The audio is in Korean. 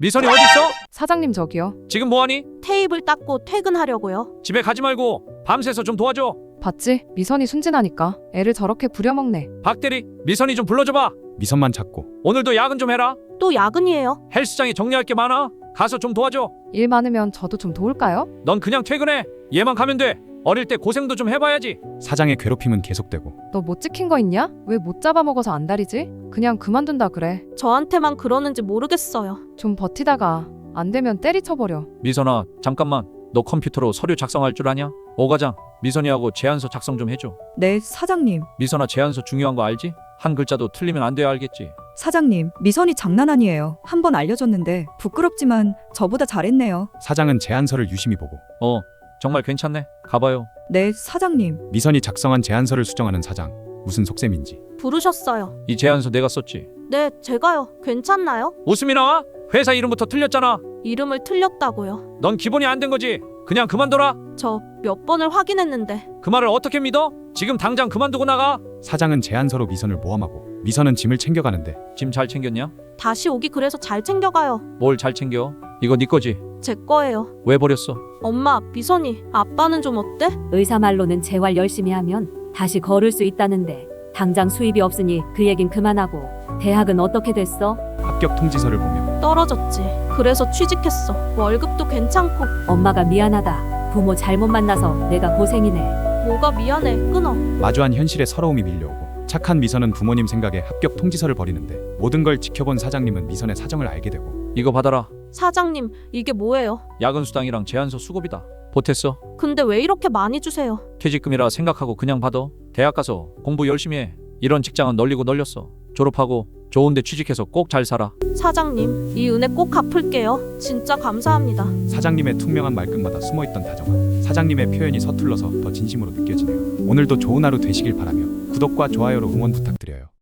미선이 어딨어? 사장님 저기요. 지금 뭐하니? 테이블 닦고 퇴근하려고요. 집에 가지 말고 밤새서 좀 도와줘. 봤지? 미선이 순진하니까 애를 저렇게 부려먹네. 박대리, 미선이 좀 불러줘봐. 미선만 찾고 오늘도 야근 좀 해라. 또 야근이에요. 헬스장에 정리할 게 많아. 가서 좀 도와줘. 일 많으면 저도 좀 도울까요? 넌 그냥 퇴근해. 얘만 가면 돼. 어릴 때 고생도 좀 해봐야지. 사장의 괴롭힘은 계속되고 너 못 지킨 거 있냐? 왜 못 잡아먹어서 안달이지? 그냥 그만둔다 그래. 저한테만 그러는지 모르겠어요. 좀 버티다가 안 되면 때리쳐버려. 미선아, 잠깐만. 너 컴퓨터로 서류 작성할 줄 아냐? 오 과장, 미선이하고 제안서 작성 좀 해줘. 네, 사장님. 미선아, 제안서 중요한 거 알지? 한 글자도 틀리면 안 돼야 알겠지? 사장님, 미선이 장난 아니에요. 한 번 알려줬는데 부끄럽지만 저보다 잘했네요. 사장은 제안서를 유심히 보고 정말 괜찮네. 가봐요. 네, 사장님. 미선이 작성한 제안서를 수정하는 사장. 무슨 속셈인지. 부르셨어요. 이 제안서 내가 썼지. 네, 제가요. 괜찮나요? 웃음이 나와? 회사 이름부터 틀렸잖아. 이름을 틀렸다고요. 넌 기본이 안 된 거지. 그냥 그만둬라. 저 몇 번을 확인했는데. 그 말을 어떻게 믿어? 지금 당장 그만두고 나가. 사장은 제안서로 미선을 모함하고 미선은 짐을 챙겨가는데 짐 잘 챙겼냐? 다시 오기 그래서 잘 챙겨가요. 뭘 잘 챙겨? 이거 네 거지? 제 거예요. 왜 버렸어? 엄마, 미선이, 아빠는 좀 어때? 의사 말로는 재활 열심히 하면 다시 걸을 수 있다는데 당장 수입이 없으니 그 얘긴 그만하고 대학은 어떻게 됐어? 합격 통지서를 보며 떨어졌지. 그래서 취직했어. 월급도 괜찮고. 엄마가 미안하다. 부모 잘못 만나서 내가 고생이네. 뭐가 미안해. 끊어. 마주한 현실에 서러움이 밀려오고 착한 미선은 부모님 생각에 합격 통지서를 버리는데 모든 걸 지켜본 사장님은 미선의 사정을 알게 되고 이거 받아라. 사장님, 이게 뭐예요? 야근 수당이랑 제안서 수급이다. 보탰어. 근데 왜 이렇게 많이 주세요? 퇴직금이라 생각하고 그냥 받아. 대학 가서 공부 열심히 해. 이런 직장은 널리고 널렸어. 졸업하고 좋은 데 취직해서 꼭 잘 살아. 사장님, 이 은혜 꼭 갚을게요. 진짜 감사합니다. 사장님의 투명한 말끝마다 숨어있던 다정함 사장님의 표현이 서툴러서 더 진심으로 느껴지네요. 오늘도 좋은 하루 되시길 바라며 구독과 좋아요로 응원 부탁드려요.